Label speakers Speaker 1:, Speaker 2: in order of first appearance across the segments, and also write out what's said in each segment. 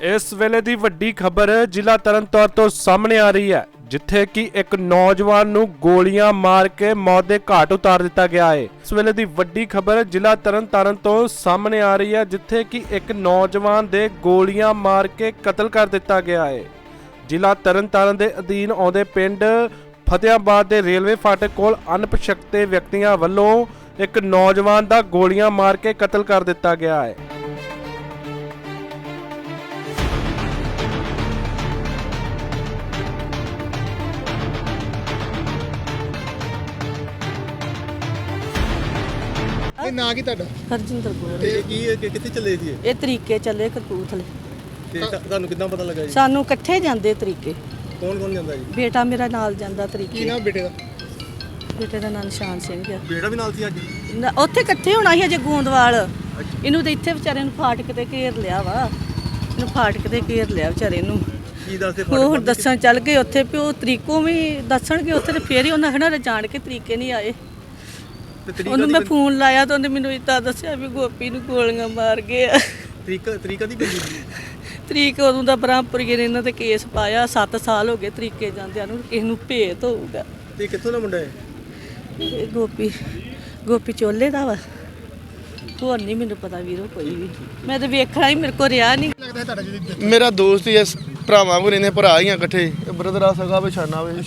Speaker 1: इस वेले दी वड्डी खबर जिला तरनताਰਨ ਤੋਂ ਸਾਹਮਣੇ ਆ ਰਹੀ ਹੈ, जिथे कि एक नौजवान ਨੂੰ ਗੋਲੀਆਂ ਮਾਰ ਕੇ मौत ਦੇ ਘਾਟ ਉਤਾਰ ਦਿੱਤਾ ਗਿਆ ਹੈ। इस वेले दी वड्डी खबर जिला तरनताਰਨ ਤੋਂ ਸਾਹਮਣੇ आ रही है, जिथे कि एक नौजवान ਦੇ ਗੋਲੀਆਂ ਮਾਰ ਕੇ ਕਤਲ ਕਰ ਦਿੱਤਾ ਗਿਆ ਹੈ। ਜ਼ਿਲ੍ਹਾ ਤਰਨਤਾਰਨ ਦੇ ਅਧੀਨ ਆਉਂਦੇ ਪਿੰਡ ਫਤਿਆਬਾਦ ਦੇ ਰੇਲਵੇ ਫਾਟਕ ਕੋਲ ਅਣਪਛਾਤੇ ਵਿਅਕਤੀਆਂ ਵੱਲੋਂ ਇੱਕ ਨੌਜਵਾਨ ਦਾ ਗੋਲੀਆਂ ਮਾਰ ਕੇ ਕਤਲ ਕਰ ਦਿੱਤਾ ਗਿਆ ਹੈ।
Speaker 2: ਨਾ ਕੀ ਤੁਹਾਡਾ
Speaker 3: ਹਰਜਿੰਦਰ ਕੌਰ
Speaker 2: ਤੇ ਕੀ ਕਿੱਥੇ ਚੱਲੇ ਸੀ
Speaker 3: ਇਹ ਤਰੀਕੇ ਚੱਲੇ ਕਪੂਰਥਲੇ
Speaker 2: ਤੇ ਤੁਹਾਨੂੰ ਕਿੱਦਾਂ ਪਤਾ ਲੱਗਾ ਜੀ?
Speaker 3: ਸਾਨੂੰ ਇਕੱਠੇ ਜਾਂਦੇ ਤਰੀਕੇ।
Speaker 2: ਕੌਣ ਕੌਣ ਜਾਂਦਾ ਜੀ?
Speaker 3: ਬੇਟਾ ਮੇਰਾ ਨਾਲ ਜਾਂਦਾ
Speaker 2: ਕੀ
Speaker 3: ਤਰੀਕੇ।
Speaker 2: ਨਾਮ ਬੇਟੇ ਦਾ?
Speaker 3: ਬੇਟੇ ਦਾ ਨਾਂ ਨਿਸ਼ਾਨ ਸਿੰਘ ਆ।
Speaker 2: ਬੇਟਾ ਵੀ ਨਾਲ ਸੀ ਅੱਜ?
Speaker 3: ਉੱਥੇ ਇਕੱਠੇ ਹੋਣਾ ਸੀ ਅਜੇ ਗੋਂਦਵਾਲ। ਇਹਨੂੰ ਤੇ ਇੱਥੇ ਵਿਚਾਰੇ ਨੂੰ ਫਾਟਕ ਤੇ ਘੇਰ ਲਿਆ ਵਾ। ਇਹਨੂੰ ਫਾਟਕ ਤੇ ਘੇਰ ਲਿਆ ਵਿਚਾਰੇ ਨੂੰ।
Speaker 2: ਕੀ ਦੱਸਦੇ
Speaker 3: ਉਹ ਹੁਣ ਦੱਸਣ ਚੱਲ ਗਏ ਉੱਥੇ ਵੀ ਉਹ ਤਰੀਕੋਂ ਵੀ ਦੱਸਣਗੇ ਉੱਥੇ ਤੇ ਫੇਰ ਹੀ ਉਹਨਾਂ ਖਣਾ ਜਾਣ ਕੇ ਤਰੀਕੇ ਨਹੀਂ ਆਏ। ਉਹਨੂੰ ਮੈਂ ਫੋਨ ਲਾਇਆ ਤਾਂ ਉਹਨੇ ਮੈਨੂੰ ਇੱਦਾਂ ਦੱਸਿਆ ਵੀ ਗੋਪੀ ਨੂੰ ਗੋਲੀਆਂ ਮਾਰ ਗਏ ਆ।
Speaker 2: ਤਰੀਕਾ ਦੀ ਬੰਦੀ
Speaker 3: ਤਰੀਕ ਉਦੋਂ ਦਾ ਬ੍ਰਹਮਪੁਰੀਏ ਨੇ ਇਹਨਾਂ ਤੇ ਕੇਸ ਪਾਇਆ। 7 ਸਾਲ ਹੋ ਗਏ ਤਰੀਕੇ ਜਾਂਦਿਆਂ ਨੂੰ। ਕਿਸੇ ਨੂੰ ਭੇਤ ਹੋਊਗਾ।
Speaker 2: ਤੇ ਕਿੱਥੋਂ ਦਾ ਮੁੰਡਾ ਹੈ?
Speaker 3: ਇਹ ਗੋਪੀ ਚੋਲੇ ਦਾ ਵਾ। ਹੋਰ ਨਹੀਂ ਮੈਨੂੰ ਪਤਾ ਵੀਰੋ ਕੋਈ ਵੀ। ਮੈਂ ਤਾਂ ਵੇਖਣਾ ਹੀ ਮੇਰੇ ਕੋਲ ਰਿਹਾ ਨਹੀਂ।
Speaker 4: ਮੇਰਾ ਦੋਸਤ ਹੀ ਇਸ ਭਰਾਵਾਂ ਕੋਲ ਰਹਿੰਦੇ, ਭਰਾ ਹੀ ਆ ਇਕੱਠੇ। ਬ੍ਰਦਰ ਆ ਸਗਾ ਪਛਾਣਾ ਵੇ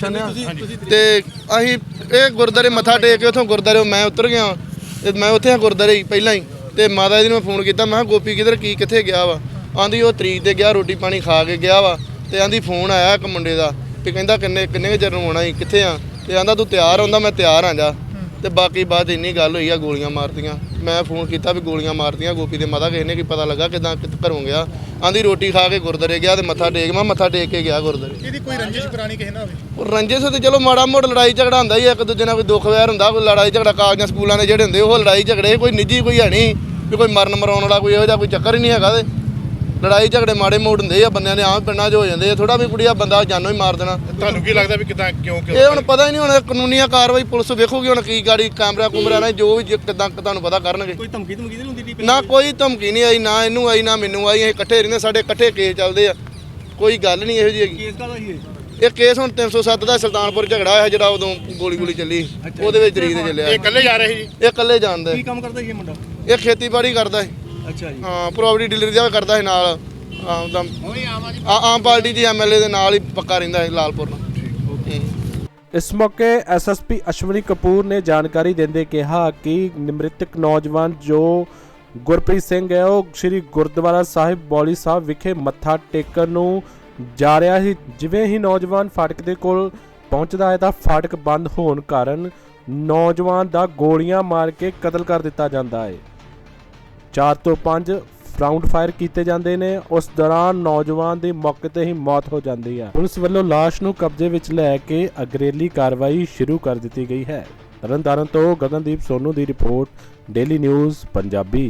Speaker 4: ਤੇ ਅਸੀਂ ਇਹ ਗੁਰਦਾਰੇ ਮੱਥਾ ਟੇਕ ਕੇ ਉੱਥੋਂ ਗੁਰਦਾਰੇ ਮੈਂ ਉਤਰ ਗਿਆ ਤੇ ਮੈਂ ਉੱਥੇ ਆ ਗੁਰਦਾਰੇ ਹੀ ਪਹਿਲਾਂ ਹੀ। ਤੇ ਮਾਤਾ ਜੀ ਨੂੰ ਮੈਂ ਫੋਨ ਕੀਤਾ, ਮੈਂ ਕਿਹਾ ਗੋਪੀ ਕਿੱਥੇ ਗਿਆ ਵਾ? ਆਂਦੀ ਉਹ ਤਰੀਕ ਤੇ ਗਿਆ, ਰੋਟੀ ਪਾਣੀ ਖਾ ਕੇ ਗਿਆ ਵਾ। ਤੇ ਆਂਦੀ ਫੋਨ ਆਇਆ ਇੱਕ ਮੁੰਡੇ ਦਾ ਤੇ ਕਹਿੰਦਾ ਕਿੰਨੇ ਚਿਰ ਨੂੰ ਆਉਣਾ ਸੀ, ਕਿੱਥੇ ਆ? ਤੇ ਆਂਦਾ ਤੂੰ ਤਿਆਰ ਹੁੰਦਾ? ਮੈਂ ਤਿਆਰ ਆ ਜਾ। ਤੇ ਬਾਕੀ ਬਾਅਦ ਇੰਨੀ ਗੱਲ ਹੋਈ ਆ ਗੋਲੀਆਂ ਮਾਰਤੀਆਂ। ਮੈਂ ਫੋਨ ਕੀਤਾ ਵੀ ਗੋਲੀਆਂ ਮਾਰਤੀਆਂ ਗੋਪੀ ਦੇ ਮਾਤਾ ਕਿਸੇ ਨੇ ਕੀ ਪਤਾ ਲੱਗਾ ਕਿੱਦਾਂ ਘਰੋਂ ਗਿਆ? ਆਂਦੀ ਰੋਟੀ ਖਾ ਕੇ ਗੁਰਦਾਰੇ ਗਿਆ ਤੇ ਮੱਥਾ ਟੇਕ ਕੇ ਗਿਆ ਗੁਰਦਾਰੇ।
Speaker 2: ਇਹਦੀ ਕੋਈ ਰੰਜਿਸ਼ ਪੁਰਾਣੀ ਕਿਸੇ ਨਾਲ ਹੋਵੇ?
Speaker 4: ਉਹ ਰੰਜਿਸ਼ ਤੇ ਚਲੋ ਮਾੜਾ ਮੋੜ ਲੜਾਈ ਝਗੜਾ ਹੁੰਦਾ ਹੀ ਇੱਕ ਦੂਜੇ ਨਾਲ, ਕੋਈ ਦੁੱਖ ਵੈਰ ਹੁੰਦਾ, ਕੋਈ ਲੜਾਈ ਝਗੜਾ ਕਾਲਜਾਂ ਸਕੂਲਾਂ ਦੇ ਜਿਹੜੇ ਹੁੰਦੇ ਉਹ ਲੜਾਈ ਝਗੜੇ ਕੋਈ ਨਿੱਜੀ ਕੋਈ ਹੈ ਨਹੀਂ ਵੀ ਕੋਈ ਮਰਨ ਮਰਾਉਣ ਵਾਲਾ ਕੋਈ ਇਹੋ ਜਿਹਾ ਕੋਈ ਚੱਕਰ ਹੀ ਨਹੀਂ ਹੈਗਾ। ਤੇ ਲੜਾਈ ਝਗੜੇ ਮਾੜੇ ਮੋੜ ਹੁੰਦੇ ਆ ਬੰਦਿਆਂ ਦੇ ਆਮ ਪਿੰਡਾਂ 'ਚ ਹੋ ਜਾਂਦੇ ਆ। ਥੋੜਾ ਵੀ ਕੁੜੀਆ ਬੰਦਾ ਜਾਨੋਂ ਹੀ ਮਾਰ ਦੇਣਾ।
Speaker 2: ਤੁਹਾਨੂੰ ਕੀ ਲੱਗਦਾ ਵੀ ਕਿਦਾਂ ਕਿਉਂ
Speaker 4: ਇਹ ਹੁਣ ਪਤਾ ਹੀ ਨਹੀਂ। ਹੁਣ ਕਾਨੂੰਨੀ ਕਾਰਵਾਈ ਪੁਲਿਸ ਵੇਖੂਗੀ ਹੁਣ ਕੀ ਗਾੜੀ ਕੈਮਰਾ ਨਾਲ ਜੋ ਵੀ ਕਿਦਾਂ ਤੁਹਾਨੂੰ ਪਤਾ ਕਰਨਗੇ।
Speaker 2: ਕੋਈ ਧਮਕੀ ਨਹੀਂ ਹੁੰਦੀ?
Speaker 4: ਨਾ ਕੋਈ ਧਮਕੀ ਨਹੀਂ ਆਈ, ਨਾ ਇਹਨੂੰ ਆਈ ਨਾ ਮੈਨੂੰ ਆਈ। ਅਸੀਂ ਇਕੱਠੇ ਰਹਿੰਦੇ, ਸਾਡੇ ਇਕੱਠੇ ਕੇਸ ਚੱਲਦੇ ਆ, ਕੋਈ ਗੱਲ ਨਹੀਂ ਇਹੋ ਜਿਹੀ ਹੈਗੀ।
Speaker 2: ਕੇਸ ਕਾਹਦਾ ਸੀ
Speaker 4: ਇਹ ਕੇਸ ਹੁਣ 307 ਦਾ ਸੁਲਤਾਨਪੁਰ ਝਗੜਾ ਹੋਇਆ ਜਿਹੜਾ ਉਦੋਂ ਗੋਲੀ ਚੱਲੀ, ਉਹਦੇ ਵਿੱਚ ਤਰੀਕ ਤੇ ਚੱਲਿਆ।
Speaker 2: ਇਹ ਇਕੱਲੇ ਜਾ ਰਹੇ ਸੀ?
Speaker 4: ਇਹ ਇਕੱਲੇ ਜਾਣਦਾ।
Speaker 2: ਕੀ ਕੰਮ ਕਰਦਾ ਸੀ ਇਹ ਮੁੰਡਾ?
Speaker 4: ਇਹ ਖੇਤੀਬਾੜੀ ਕਰਦਾ ਹੈ।
Speaker 2: ਅੱਛਾ ਜੀ।
Speaker 4: ਹਾਂ, ਪ੍ਰੋਪਰਟੀ ਡੀਲਰ ਦਾ ਕਰਦਾ ਹੈ ਨਾਲ। ਆਮ ਪਾਰਟੀ ਦੇ ਐਮਐਲਏ ਦੇ ਨਾਲ ਹੀ ਪੱਕਾ ਰਹਿੰਦਾ ਹੈ ਲਾਲਪੁਰ ਨਾਲ।
Speaker 1: इस मौके एसएसपी अश्विनी कपूर ने जानकारी देंदे कहा कि मृतक नौजवान जो गुरप्रीत सिंह है वो श्री गुरुद्वारा साहिब बौली साहब विखे मत्था टेकन नूं जा रहा ਸੀ। ਜਿਵੇਂ ਹੀ ਨੌਜਵਾਨ ਫਾਟਕ ਦੇ ਕੋਲ ਪਹੁੰਚਦਾ ਹੈ ਤਾਂ ਫਾਟਕ ਬੰਦ ਹੋਣ ਕਾਰਨ ਨੌਜਵਾਨ ਦਾ ਗੋਲੀਆਂ ਮਾਰ ਕੇ ਕਤਲ ਕਰ ਦਿੱਤਾ ਜਾਂਦਾ ਹੈ। 4 ਤੋਂ 5 ਰਾਉਂਡ ਫਾਇਰ ਕੀਤੇ ਜਾਂਦੇ ਨੇ। ਉਸ ਦੌਰਾਨ ਨੌਜਵਾਨ ਦੀ ਮੌਕੇ ਤੇ ਹੀ ਮੌਤ ਹੋ ਜਾਂਦੀ ਹੈ। ਪੁਲਿਸ ਵੱਲੋਂ ਲਾਸ਼ ਨੂੰ ਕਬਜ਼ੇ ਵਿੱਚ ਲੈ ਕੇ ਅਗਰੇਲੀ ਕਾਰਵਾਈ ਸ਼ੁਰੂ ਕਰ ਦਿੱਤੀ ਗਈ ਹੈ। ਤਰਨਤਾਰਨ ਤੋਂ ਗਗਨਦੀਪ ਸੋਨੂ ਦੀ ਰਿਪੋਰਟ, ਡੇਲੀ ਨਿਊਜ਼ ਪੰਜਾਬੀ।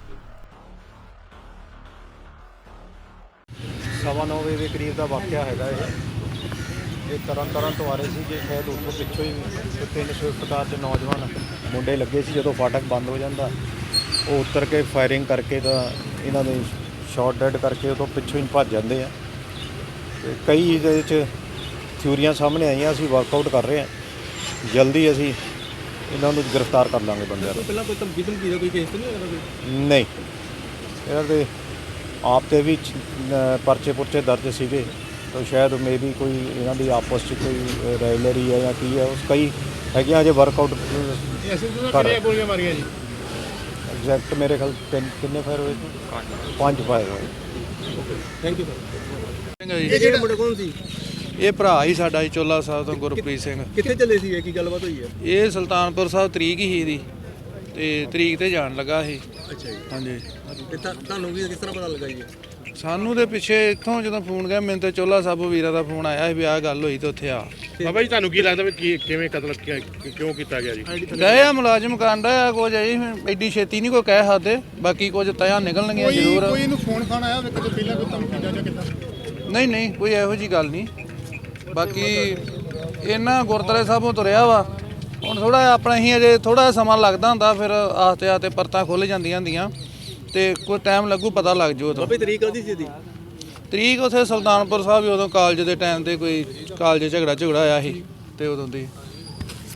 Speaker 5: 9:15 ਵਜੇ ਦੇ ਕਰੀਬ ਦਾ ਵਾਕਿਆ ਹੈਗਾ ਇਹ ਤਰਨਤਾਰਨ ਤੋਂ ਆ ਰਹੇ ਸੀ ਜੇ ਸ਼ਾਇਦ ਉਸ ਤੋਂ ਪਿੱਛੋਂ ਹੀ 3 ਸਵਿਫਟ ਕਾਰ 'ਚ ਨੌਜਵਾਨ ਮੁੰਡੇ ਲੱਗੇ ਸੀ। ਜਦੋਂ ਫਾਟਕ ਬੰਦ ਹੋ ਜਾਂਦਾ ਉਹ ਉਤਰ ਕੇ ਫਾਇਰਿੰਗ ਕਰਕੇ ਤਾਂ ਇਹਨਾਂ ਦੇ ਸ਼ਾਟ ਡੈਡ ਕਰਕੇ ਉਹ ਤੋਂ ਪਿੱਛੋਂ ਹੀ ਭੱਜ ਜਾਂਦੇ ਆ। ਤੇ ਕਈ ਇਹਦੇ ਵਿੱਚ ਥਿਊਰੀਆਂ ਸਾਹਮਣੇ ਆਈਆਂ। ਅਸੀਂ ਵਰਕਆਊਟ ਕਰ ਰਹੇ ਹਾਂ, ਜਲਦੀ ਅਸੀਂ ਇਹਨਾਂ ਨੂੰ ਗ੍ਰਿਫਤਾਰ ਕਰ ਲਾਂਗੇ ਬੰਦਿਆਂ ਨੂੰ।
Speaker 2: ਪਹਿਲਾਂ ਕੋਈ ਧਮਕੀ ਦਾ ਕੋਈ ਕੇਸ ਨਹੀਂ ਹੋਇਆ?
Speaker 5: ਨਹੀਂ, ਇਹਨਾਂ ਦੇ ਆਪ 'ਤੇ ਵੀ ਪਰਚੇ ਪੁਰਚੇ ਦਰਜ ਸੀਗੇ ਤਾਂ ਸ਼ਾਇਦ ਮੇਬੀ ਕੋਈ ਇਹਨਾਂ ਦੀ ਆਪਸ 'ਚ ਕੋਈ ਰਾਇਲਰੀ ਹੈ ਜਾਂ ਕੀ ਹੈ। ਉਸ ਕਈ ਹੈਗੀਆਂ ਅਜੇ ਵਰਕਆਊਟ ਕਰ।
Speaker 2: ਗੋਲੀਆਂ ਮਾਰੀਆਂ ਜੀ?
Speaker 5: ਐਗਜ਼ੈਕਟ ਮੇਰੇ ਖਿਆਲ ਕਿੰਨੇ ਫਾਇਰ ਹੋਏ ਸੀ? 5 ਫਾਇਰ ਹੋਏ।
Speaker 2: Thank you sir. ਇਹ ਜਿਹੜਾ ਮੁੰਡਾ ਕੌਣ ਸੀ?
Speaker 6: ਇਹ ਭਰਾ ਹੀ ਸਾਡਾ ਜੀ, ਚੋਲਾ ਸਾਹਿਬ ਤੋਂ ਗੁਰਪ੍ਰੀਤ ਸਿੰਘ।
Speaker 2: ਕਿੱਥੇ ਚੱਲੇ ਸੀ? ਕੀ ਗੱਲਬਾਤ ਹੋਈ ਹੈ?
Speaker 6: ਇਹ ਸੁਲਤਾਨਪੁਰ ਸਾਹਿਬ ਤਰੀਕ ਹੀ ਇਹਦੀ ਤੇ ਤਰੀਕ ਤੇ ਜਾਣ ਲੱਗਾ ਇਹ।
Speaker 2: ਅੱਛਾ ਜੀ।
Speaker 6: ਹਾਂਜੀ।
Speaker 2: ਤੇ ਤੁਹਾਨੂੰ ਵੀ ਕਿਸ ਤਰ੍ਹਾਂ ਪਤਾ ਲੱਗਾ ਜੀ?
Speaker 6: ਸਾਨੂੰ ਦੇ ਪਿੱਛੇ ਇੱਥੋਂ ਜਦੋਂ ਫੋਨ ਗਿਆ ਮੈਨੂੰ ਤੇ ਚੋਲਾ ਸਾਹਿਬ ਵੀਰਾ ਦਾ ਫੋਨ ਆਇਆ ਸੀ ਵੀ ਆਹ ਗੱਲ ਹੋਈ ਤੇ ਉੱਥੇ ਆ।
Speaker 7: ਬਾਬਾ ਜੀ ਤੁਹਾਨੂੰ ਕੀ ਲੱਗਦਾ ਵੀ ਕਿਵੇਂ ਕਤਲ ਕਿਉਂ ਕੀਤਾ ਗਿਆ ਜੀ?
Speaker 6: ਗਏ ਆ ਮੁਲਾਜ਼ਮ ਕਾਂਡਾ ਆ ਕੁਝ ਜੀ, ਐਡੀ ਛੇਤੀ ਨਹੀਂ ਕੋਈ ਕਹਿ ਸਕਦੇ। ਬਾਕੀ ਕੁਝ ਤਿਆ ਨਿਕਲਣਗੀਆਂ ਜ਼ਰੂਰ।
Speaker 2: ਕੋਈ ਇਹਨੂੰ ਫੋਨ ਖਾਣ ਆਇਆ ਵੇਖੋ ਪਹਿਲਾਂ ਕੋਈ ਧਮਕੀ ਜਾਂ ਕਿੱਦਾਂ?
Speaker 6: ਨਹੀਂ ਕੋਈ ਇਹੋ ਜੀ ਗੱਲ ਨਹੀਂ। ਬਾਕੀ ਇਹਨਾਂ ਗੁਰਦੁਆਰੇ ਸਾਹਿਬੋਂ ਤੁਰਿਆ ਵਾ। ਹੁਣ ਥੋੜਾ ਆਪਣਾ ਹੀ ਅਜੇ ਥੋੜਾ ਸਮਾਂ ਲੱਗਦਾ ਹੁੰਦਾ, ਫਿਰ ਆਸਤੇ ਪਰਤਾਂ ਖੁੱਲ੍ਹ ਜਾਂਦੀਆਂ ਹੁੰਦੀਆਂ ਤੇ ਕੋਈ ਟਾਈਮ ਲੱਗੂ, ਪਤਾ ਲੱਗ ਜੂ।
Speaker 2: ਬਾਬੇ ਤਰੀਕ ਕਾਹਦੀ ਸੀ ਇਹਦੀ?
Speaker 6: ਤਰੀਕ ਉੱਥੇ ਸੁਲਤਾਨਪੁਰ ਸਾਹਿਬ ਹੀ ਉਦੋਂ ਕਾਲਜ ਦੇ ਟਾਈਮ ਤੇ ਕੋਈ ਕਾਲਜ ਝਗੜਾ ਹੋਇਆ ਸੀ ਤੇ ਉਦੋਂ ਦੀ